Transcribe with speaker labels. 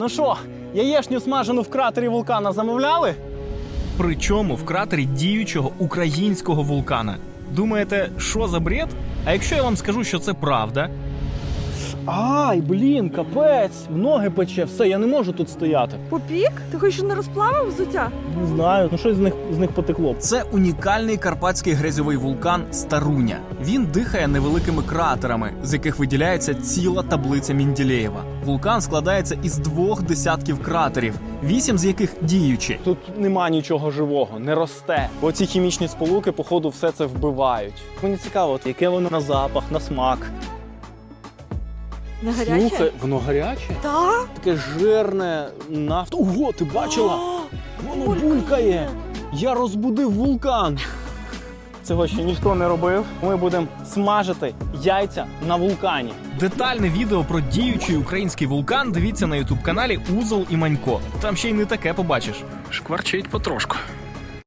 Speaker 1: Ну що, яєшню смажену в кратері вулкана замовляли?
Speaker 2: Причому в кратері діючого українського вулкана. Думаєте, що за бред? А якщо я вам скажу, що це правда?
Speaker 1: Ай, блін, капець, в ноги пече, все, я не можу тут стояти.
Speaker 3: Попік? Ти хоч ще не розплавив взуття?
Speaker 1: Не знаю, ну щось з них потекло.
Speaker 2: Це унікальний карпатський грязьовий вулкан Старуня. Він дихає невеликими кратерами, з яких виділяється ціла таблиця Менділеєва. Вулкан складається із 2 десятків кратерів, 8 з яких діючі.
Speaker 1: Тут нема нічого живого, не росте. Бо ці хімічні сполуки, походу, все це вбивають. Мені цікаво, от яке воно на запах, на смак.
Speaker 3: Не гаряче?
Speaker 1: Слухай, воно гаряче?
Speaker 3: Так.
Speaker 1: Таке жирне, нафта. Ого, ти бачила? Воно булькає. Я розбудив вулкан. Цього ще ніхто не робив. Ми будемо смажити яйця на вулкані.
Speaker 2: Детальне відео про діючий український вулкан дивіться на ютуб-каналі Узол і Манько. Там ще й не таке побачиш.
Speaker 4: Шкварчить потрошку.